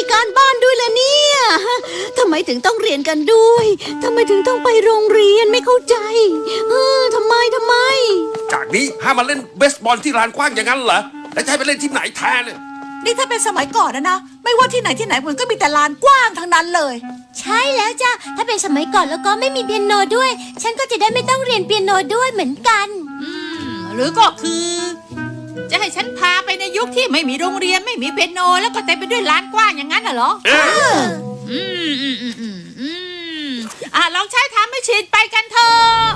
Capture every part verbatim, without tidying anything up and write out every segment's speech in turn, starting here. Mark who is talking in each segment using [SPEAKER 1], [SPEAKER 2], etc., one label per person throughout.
[SPEAKER 1] การบ้านด้วยล่ะเนี่ยทำไมถึงต้องเรียนกันด้วยทำไมถึงต้องไปโรงเรียนไม่เข้าใจเออทำไมทำไม
[SPEAKER 2] จากนี้ห้ามมาเล่นเบสบอลที่ลานกว้างอย่างนั้นเหรอแล้วจะให้ไปเล่นที่ไหนแทนเนี่ย
[SPEAKER 3] นี่ถ้าเป็นสมัยก่อนนะนะไม่ว่าที่ไหนที่ไหนมันก็มีแต่ลานกว้างทั้งนั้นเลย
[SPEAKER 4] ใช่แล้วจ้ะถ้าเป็นสมัยก่อนแล้วก็ไม่มีเปียโนด้วยฉันก็จะได้ไม่ต้องเรียนเปียโนด้วยเหมือนกัน
[SPEAKER 5] อืมหรือก็คือจะให้ฉันพาไปในยุคที่ไม่มีโรงเรียนไม่มีเปียโนแล้วก็เต็มไปด้วยลานกว้างอย่างนั้นเหรออืมอืมอืมอืมอืมอ่ะลองใช้ทำให้ชินไปกันเถอะ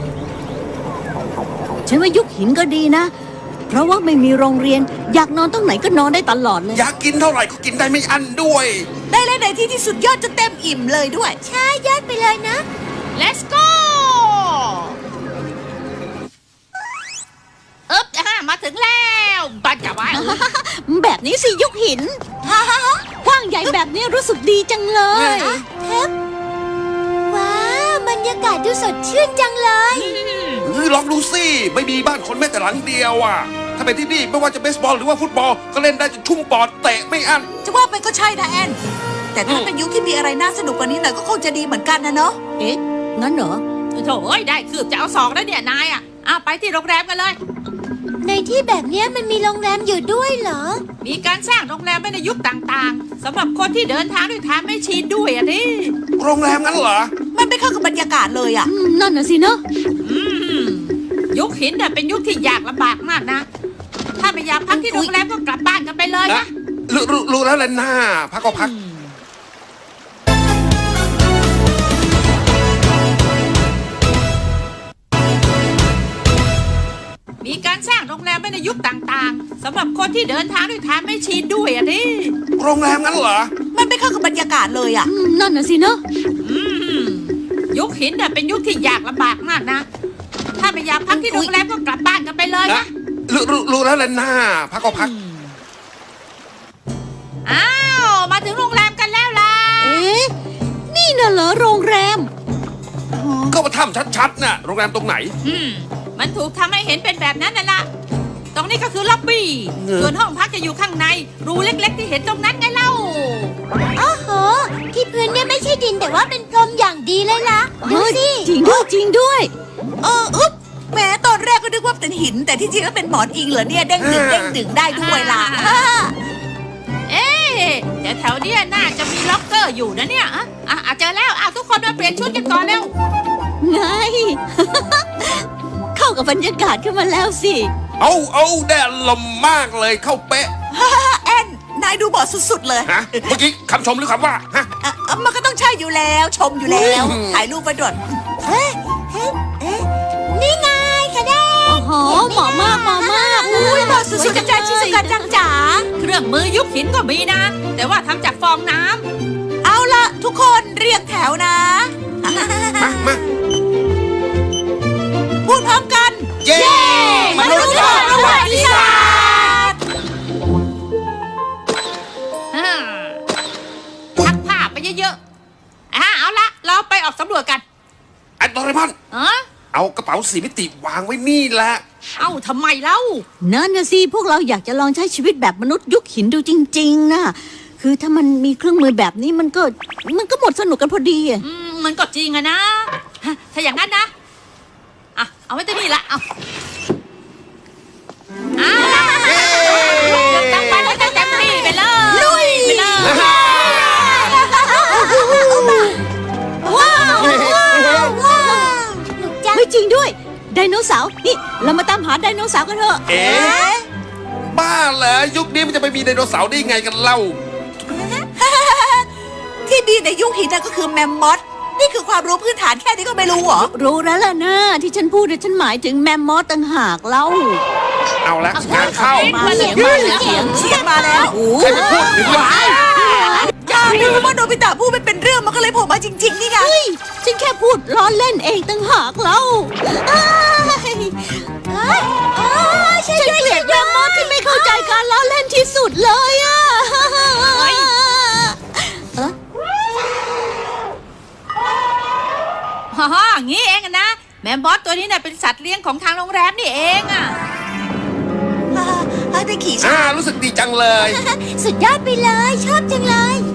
[SPEAKER 1] ฉันว่ายุคหินก็ดีนะเพราะว่าไม่มีโรงเรียนอยากนอนตรงไหนก็นอนได้ตลอดเลย
[SPEAKER 2] อยากกินเท่าไหร่ก็กินได้ไม่อั้นด้วย
[SPEAKER 3] ได้เล่นในที่ที่สุดยอดจะเต็มอิ่มเลยด้วย
[SPEAKER 4] ใช่ยอดไปเลยนะ
[SPEAKER 5] Let's go เอ๊บอ่ะมาถึงแล้วบันจะไว้
[SPEAKER 1] แบบนี้สิยุคหินกว้างใหญ่แบบนี้รู้สึกดีจังเลย
[SPEAKER 4] ว้าวบรรยากาศดูสดชื่นจังเลย
[SPEAKER 2] ลองดูสิไม่มีบ้านคนแม้แต่หลังเดียวอ่ะถ้าเป็นที่นี่ไม่ว่าจะเบสบอลหรือว่าฟุตบอลก็เล่นได้จนชุ่มปอดเตะไม่อั้น
[SPEAKER 3] จะว่าไปก็ใช่นะแอนแต่ถ้าเป็นยุคที่มีอะไรน่าสนุกกว่านี้หน่อยก็คงจะดีเหมือนกันนะเนาะ
[SPEAKER 1] เอ๊ะงั้นเหรอ
[SPEAKER 5] โถ่เอ้ยได้คืบจะเอาสองแล้วเนี่ยนายอ่ะเอาไปที่โรงแรมกันเลย
[SPEAKER 4] ในที่แบบนี้มันมีโรงแรมอยู่ด้วยเหรอ
[SPEAKER 5] มีการสร้างโรงแรมไว้ในยุคต่างๆสำหรับคนที่เดินทางด้วยทางไม่ชินด้วยอ่ะดิ
[SPEAKER 2] โรงแรมงั้นเหรอ
[SPEAKER 3] มันไม่เข้ากับบรรยากาศเลยอ่ะ
[SPEAKER 1] นั่นน่ะสิเนาะ
[SPEAKER 5] ยุคหินเนี่ยเป็นยุคที่ยากลำบากมากนะถ้าไม่อยากพักที่โรงแรมก็กลับบ้านกันไปเลยนะ
[SPEAKER 2] รู้รู้รู้แล้วแหละน้าพักก็พัก
[SPEAKER 5] มีการสร้างโรงแรมไว้ในยุคต่างๆสำหรับคนที่เดินทางด้วยทางไม่ชินด้วยอ่ะดิ
[SPEAKER 2] โรงแรมงั้นเหรอ
[SPEAKER 3] มันไม่เข้ากับบรรยากาศเลยอ่ะ
[SPEAKER 1] นั่นน่ะสิเนาะ
[SPEAKER 5] ยุคหินเนี่ยเป็นยุคที่ยากลำบากมากนะถ้าไม่อยากพักที่โรงแรมก็กลับบ้านกันไปเลยนะ
[SPEAKER 2] รู้รู้รู้แล้วแหละน้าพักก็พัก
[SPEAKER 5] อ้าวมาถึงโรงแรมกันแล้วล่ะ
[SPEAKER 1] เอ๊ะนี่น่ะเหรอโรงแรม
[SPEAKER 2] ก็มาทำชัดๆน่ะโรงแรมตรงไหน
[SPEAKER 5] อืมมันถูกทำให้เห็นเป็นแบบนั้นน่ะล่ะตรงนี้ก็คือล็อบบี้ส่วนห้องพักจะอยู่ข้างในรูเล็กๆที่เห็นตรงนั้นไงเล่า
[SPEAKER 4] โอ้โหที่พื้นเนี่ยไม่ใช่ดินแต่ว่าเป็นพรมอย่างดีเลยล่ะดูสิ
[SPEAKER 1] จริงด้วยจริงด้วย
[SPEAKER 3] เอออึ๊บแม้ตอนแรกก็นึกว่าเป็นหินแต่ที่จริงก็เป็นหมอนอิงเหรอเนี่ยเด้งดึงเด้งดึงได้ด้วยล่ะ
[SPEAKER 5] เอ๊ะแต่แถวเนี้ยน่าจะมีล็อกเกอร์อยู่นะเนี่ยอ่ะอ่ะเจอแล้วอ่ะทุกคนมาเปลี่ยนชุดกันก่อนเร็ว
[SPEAKER 1] ไงเข้ากับบรรยากาศขึ้นมาแล้วสิ
[SPEAKER 2] เอาเอาแดดลมมากเลยเข้าเป๊ะ
[SPEAKER 3] แอนนายดูบอดสุดๆเลย
[SPEAKER 2] ฮะเมื่อกี้คำชมหรือคำว่าฮะ
[SPEAKER 3] มันก็ต้องใช่อยู่แล้วชมอยู่แล้วถ่ายรูปไปด่วน
[SPEAKER 4] เฮ้ยเฮ้ยเอ๊ะนี่ไงคะแนน
[SPEAKER 1] โอ้โหเหมาะมากเหมาะมาก
[SPEAKER 3] อุ้ยบอดสุดๆจังจ้าชิสุกันจังจ๋า
[SPEAKER 5] เครื่องมือยุคหินก็มีนะแต่ว่าทำจากฟองน้
[SPEAKER 3] ำเอาละทุกคนเรียงแถวนะ
[SPEAKER 2] มามา
[SPEAKER 3] พูดพร้อมกัน
[SPEAKER 2] เย้
[SPEAKER 3] มนุษย์โลกประวัติศาสตร์
[SPEAKER 5] ทักผ้าไปเยอะๆอ่ะเอาละเราไปออกสำรวจกัน
[SPEAKER 2] ไอ้โดเรมอนเอากระเป๋าสีมิติวางไว้นี่แหละ
[SPEAKER 5] เอ้าทำไมเล่า
[SPEAKER 1] นั่นนะสิพวกเราอยากจะลองใช้ชีวิตแบบมนุษย์ยุคหินดูจริงๆนะคือถ้ามันมีเครื่องมือแบบนี้มันก็มันก็หมดสนุกกันพอดีอ่ะ
[SPEAKER 5] มันก็จริงอะนะถ้าอย่างนั้นนะอ่ะเอาไว้ที่นี่ละเอาเอาละตั้งไปแล้วตั้งเต็มที่ไปเลยลุยไปเลย
[SPEAKER 1] ว้าวว้าวไม่จริงด้วยไดโนเสาร์นี่เรามาตามหาไดโนเสาร์กันเถอะ
[SPEAKER 2] เอ๊ะบ้าเหรอยุคนี้มันจะไปมีไดโนเสาร์ได้ไงกันเล่า
[SPEAKER 3] ที่มีในยุคหินนั่นก็คือแมมมอธนี่คือความรู้พื้นฐานแค่นี้ก็ไม่รู้เหรอ
[SPEAKER 1] รู้แล้วล่ะนะที่ฉันพูดเนี่ยฉันหมายถึงแมมมอธต่างหากเล่า
[SPEAKER 2] เอาละงานเข้า
[SPEAKER 1] มาเสียงมาเสียง
[SPEAKER 3] เชียร์มาแล้ว
[SPEAKER 2] ใครไปพูดถึงวะ
[SPEAKER 3] อย่าดูว่าโนบิตะพูดเป็นเรื่องมันก็เลยโผล่มาจริงๆนี่ไง
[SPEAKER 1] ฉันแค่พูดล้อเล่นเองต่างหากเล่าฉันเกลียดแมมมอธที่ไม่เข้าใจการล้อเล่นที่สุดเลยอ่ะ
[SPEAKER 5] ฮ่างี้เองนะแมมมอธตัวนี้เนี่ยเป็นสัตว์เลี้ยงของทางโรงแรมนี่เองอ่ะ
[SPEAKER 3] ได้ขี่ช้า
[SPEAKER 2] รู้สึกดีจังเลย
[SPEAKER 4] สุดยอดไปเลยชอบจังเลย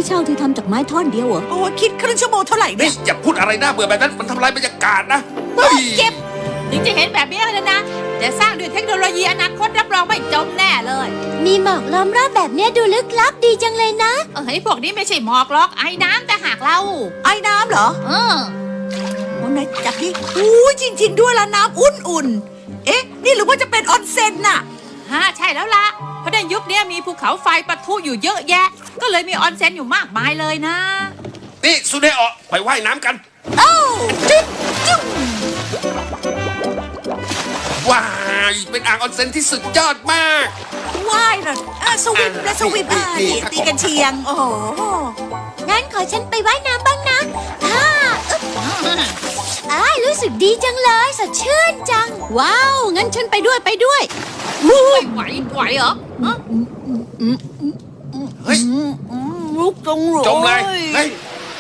[SPEAKER 1] เช่าที่ทำจากไม้ท่อนเดียวเหรอ
[SPEAKER 3] โอ้คิดครึ่งชั่วโมงเท่าไหร่
[SPEAKER 2] นี่
[SPEAKER 3] เนี่ย
[SPEAKER 2] อย่าพูดอะไรน่าเบื่อแบบนั้นมันทำลายบรรยากาศนะเฮ้ย
[SPEAKER 3] เจ็บ
[SPEAKER 5] ถึงจะเห็นแบบนี้แล้วนะแต่สร้างด้วยเทคโนโลยีอนาคตรับรองไม่จมแน่เลย
[SPEAKER 4] มีหมอกล้อมรอบแบบเนี้ยดูลึกลับดีจังเลยนะ
[SPEAKER 5] เอ้ยพวกนี้ไม่ใช่หมอกหรอกไอ้น้ำแต่หากเรา
[SPEAKER 3] ไอ้น้ำเหรอ
[SPEAKER 5] เออ
[SPEAKER 3] โอ้ไหนจับดิอู้จริง ๆ ด้วยละน้ำอุ่นๆเอ๊ะนี่หรือว่าจะเป็นออนเซ็นน่ะ
[SPEAKER 5] ฮะใช่แล้วล่ะเพราะในยุคนี้มีภูเขาไฟปะทุอยู่เยอะแยะ ก็เลยมีออนเซ็นอยู่มากมายเลยนะ
[SPEAKER 2] นี่สุเนโอะไปว่ายน้ำกัน
[SPEAKER 3] เอ้าจิ๊บจิ๊บ
[SPEAKER 2] ว้ายเป็นอ่างออนเซ็นที่สุดยอดมาก
[SPEAKER 3] ว่ายเหรออ่ะสวิมและสวิมอ่ะ
[SPEAKER 2] นี่
[SPEAKER 3] นี่
[SPEAKER 2] ครับ
[SPEAKER 3] ตีกันเชียง โอ้โห
[SPEAKER 4] งั้นขอฉันไปว่ายน้ำบ้างนะฮ่าอึ๊บอ้ายรู้สึกดีจังเลยสดชื่นจัง
[SPEAKER 1] ว้าว งั้นฉันไปด้วยไปด้วย
[SPEAKER 5] ไม่ไหวไหวเหรอฮะ
[SPEAKER 2] เฮ้ย
[SPEAKER 1] ลุกตรงเลย
[SPEAKER 2] จมเลยเฮ้ย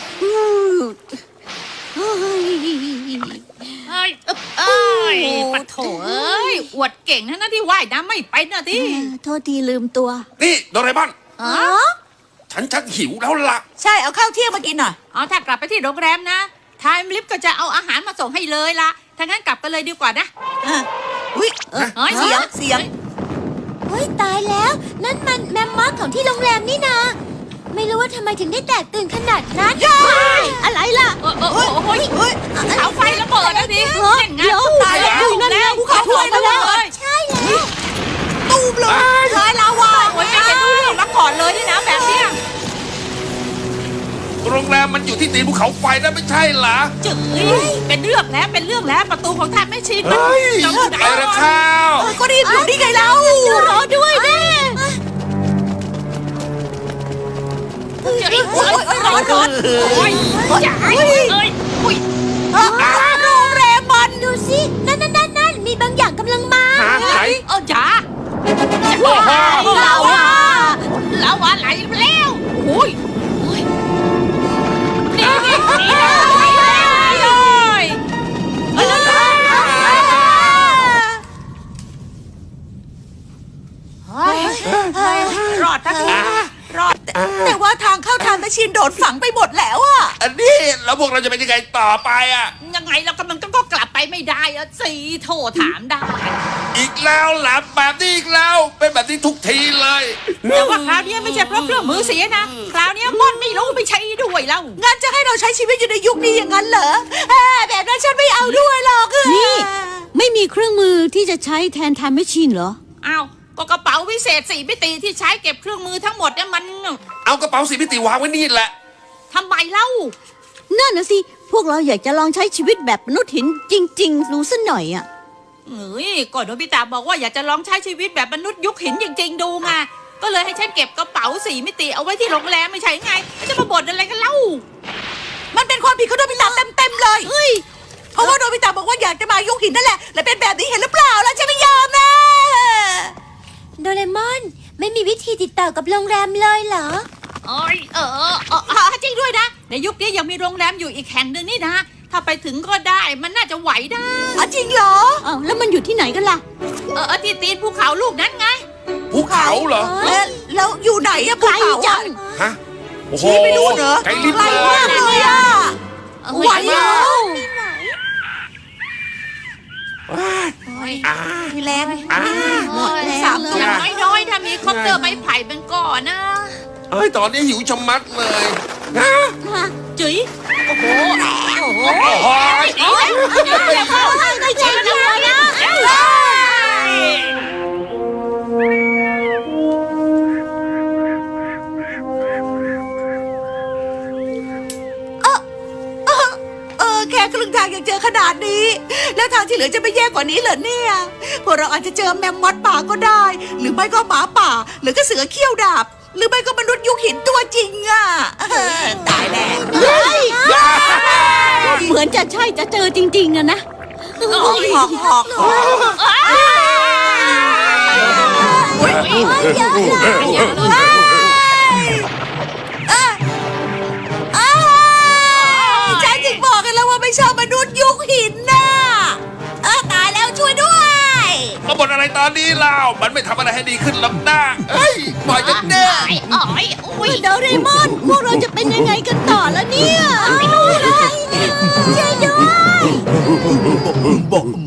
[SPEAKER 1] เฮ้ย
[SPEAKER 5] เอ้ยเอ้ยเอ้ยปะโถเอ้ยอวดเก่งทั้งนั้นที่ว่ายน้ำไม่เป็นนะที่
[SPEAKER 1] โทษทีลืมตัว
[SPEAKER 2] นี่โดเรมอน
[SPEAKER 5] อ๋อ
[SPEAKER 2] ฉันชักหิวแล้วล่ะ
[SPEAKER 3] ใช่เอาข้าวเที่ยงมากินหน่อย
[SPEAKER 5] เอาถ้ากลับไปที่โรงแรมนะไทม์ลิฟต์ก็จะเอาอาหารมาส่งให้เลยละถ้างั้นกลับกันเลยดีกว่านะ
[SPEAKER 3] อ่ะอุ้ย
[SPEAKER 5] เอ้ย
[SPEAKER 3] เสียงเสียง
[SPEAKER 4] เฮ้ยตายแล้ว นั่นมันแมมมอสของที่โรงแรมนี่นา ไม่รู้ว่าทำไมถึงได้แตกตื่นขนาดนั้น
[SPEAKER 1] อะไรล่ะ
[SPEAKER 5] เออเออเออโอ้ย
[SPEAKER 3] เฮ้ย
[SPEAKER 5] เสาไฟระเบิดนะดิ
[SPEAKER 1] เฮ้ย
[SPEAKER 5] เล่นงาน
[SPEAKER 1] เดี๋ยว
[SPEAKER 5] ตายแล้ว
[SPEAKER 1] นั่นไง
[SPEAKER 5] แล้ว
[SPEAKER 1] ภูเขาไฟระเบิด
[SPEAKER 5] ใช่
[SPEAKER 3] ตูมเลยร้อยลาวา
[SPEAKER 5] โอ้ยไม่เห็นรู้เรื่องมาก่อนเลยนี่นะแบบเนี้ย
[SPEAKER 2] โรงแรมมันอยู่ที่ตีนภูเขาไฟนะไม่ใช่เหรอ
[SPEAKER 5] จึ๊กเป็นเรื่องแล้วเป็นเรื่องแล้วประตูของท่านไม่ชินมัน
[SPEAKER 2] เฮ้ย
[SPEAKER 5] จะอยู่ไหน
[SPEAKER 2] ไปแล้วข้าว
[SPEAKER 3] เออก็รีบอยู่นี่ไงเรา
[SPEAKER 1] รอด้วยแม่
[SPEAKER 5] จะไอ้โอ้ยโอ้ยร้อนร้อนโอ้ยอย่าเอ้ยเอ้ยอุ้ย
[SPEAKER 3] เออโรงแรมมัน
[SPEAKER 4] ดูสินั่นนั่นนั่นนั่นมีบางอย่างกำลังมา
[SPEAKER 2] หาไหน
[SPEAKER 5] เออจ๋า
[SPEAKER 2] โอ้โห
[SPEAKER 5] ลาวาลาวาไหลไปแล้วโอ้ยโอ้ยนี่นี่นี่เลยเลยเอ้ย รอดทันทีรอดแต่
[SPEAKER 3] แต่ว่าทางเข้าทางตะชินโดดฝังไปหมดแล้วอะ
[SPEAKER 2] อันนี้แล้วพวกเราจะเป็นยังไงต่อไปอ่ะ
[SPEAKER 5] ยังไงเรากำลังก็กลับไปไม่ได้อะสิโทรถามได้
[SPEAKER 2] อีกแล้วหลับแบบนี้อีกแล้ว เป็นแบบนี้ทุกทีเลย
[SPEAKER 5] แต่ว่าคราวนี้ไม่ใช่เพราะเครื่องมือเสียนะ คราวนี้ม่อนไม่รู้ไม่ใช่ด้วยแล้ว
[SPEAKER 3] งั้นจะให้เราใช้ชีวิตอยู่ในยุคนี้อย่างนั้นเหรอเอ้ยแบบนั้นฉันไม่เอาด้วยหรอก
[SPEAKER 1] นี่ ไม่มีเครื่องมือที่จะใช้แทนไทม์แมชชีนเหรอ
[SPEAKER 5] อ้าวก็กระเป๋าวิเศษสี่มิติที่ใช้เก็บเครื่องมือทั้งหมดเนี่ยมัน
[SPEAKER 2] เอากระเป๋าสีมิติวางไว้นี่แหละ
[SPEAKER 5] ทำไมเล่า
[SPEAKER 1] นั่นนะสิ พวกเราอยากจะลองใช้ชีวิตแบบมนุษย์หินจริงๆรู้สักหน่อยอ่ะ
[SPEAKER 5] เอ้ยก็โนบิตะบอกว่าอยากจะลองใช้ชีวิตแบบมนุษย์ยุคหินจริงๆดูไงก็เลยให้ฉันเก็บกระเป๋าสี่มิติเอาไว้ที่โรงแรมไม่ใช่ไงจะมาบ่นอะไรกันเล่า
[SPEAKER 3] มันเป็นความผิดของโนบิตะเต็มๆเลยเฮ้ยเพราะว่าโนบิตะบอกว่าอยากจะมายุคหินนั่นแหละและเป็นแบบนี้เห็นหรือเปล่าแล้วฉันไม่ยอมนะ
[SPEAKER 4] โดเรมอนไม่มีวิธีติดต่อกับโรงแรมเลยเหรอ
[SPEAKER 5] เอ้ยเออเออเออเออจริงด้วยนะ ในยุคนี้ยังมีโรงแรมอยู่อีกแห่งหนึ่งนี่นะ ถ้าไปถึงก็ได้มันน่าจะไหวได้
[SPEAKER 3] อ๋อจริงเหรอ
[SPEAKER 1] อ้าวแล้วมันอยู่ที่ไหนกันล่ะ
[SPEAKER 5] เออเออที่ตีนภูเขาลูกนั้นไง
[SPEAKER 2] ภูเขาเหรอ
[SPEAKER 3] แล้วแล้วอยู่ไหนอะภู
[SPEAKER 1] ไกล
[SPEAKER 3] เขา
[SPEAKER 1] จั
[SPEAKER 3] อะ
[SPEAKER 1] ง
[SPEAKER 2] ฮะ โอ้โห
[SPEAKER 3] ชี้ไปดูเหรอ
[SPEAKER 2] ไกลลิบ
[SPEAKER 3] ไกล
[SPEAKER 2] เล
[SPEAKER 3] มาก
[SPEAKER 2] ย
[SPEAKER 3] เลยอะ
[SPEAKER 5] เออ
[SPEAKER 3] ไหวเหรอ
[SPEAKER 2] อ่า
[SPEAKER 3] มีแรง
[SPEAKER 2] อ่า
[SPEAKER 3] หมดแล้ว
[SPEAKER 5] สามตัวน้อยๆถ้ามีคอปเตอร์ไม้ไผ่เป็นก่อนนะ
[SPEAKER 2] เฮ้ย ตอนนี้หิวชะมัดเลยฮะ
[SPEAKER 5] จุ๋ยโอ้โหโอ้โห
[SPEAKER 2] โอ้โห
[SPEAKER 5] โอ้ยเดี๋ยวเดี๋ยวเข้าไม่ใช่เลยนะ
[SPEAKER 3] เออแค่ครึ่งทางยังเจอขนาดนี้ แล้วทางที่เหลือจะไม่แย่กว่านี้เหรอเนี่ยพวกเราอาจจะเจอแมมมอสป่าก็ได้ หรือไม่ก็หมาป่า หรือก็เสือเขี้ยวดาบ หรือไม่ก็มนุษย์ยุคหินตัวจริงอะเออตายแน่
[SPEAKER 1] เหมือนจะใช่จะเจอจริงๆอะนะ
[SPEAKER 3] หอกหอกหอกหอกอุ๊ยอ้าวฉันถึงบอกกันแล้วว่าไม่ชอบมนุษย์ยุคหินน่ะเออตายแล้วช่วยด้วย
[SPEAKER 2] มาบบ่นอะไรตอนนี้เล่ามันไม่ทำอะไรให้ดีขึ้นหรอกนะเฮ้ยปล่อยฉันเด้
[SPEAKER 5] ไอ้อ๋อยอุ้ย
[SPEAKER 1] โดเรมอน พวกเราจะเป็นยังไงกันต่อละเนี่ย
[SPEAKER 4] ช่วยด้วย
[SPEAKER 6] บอก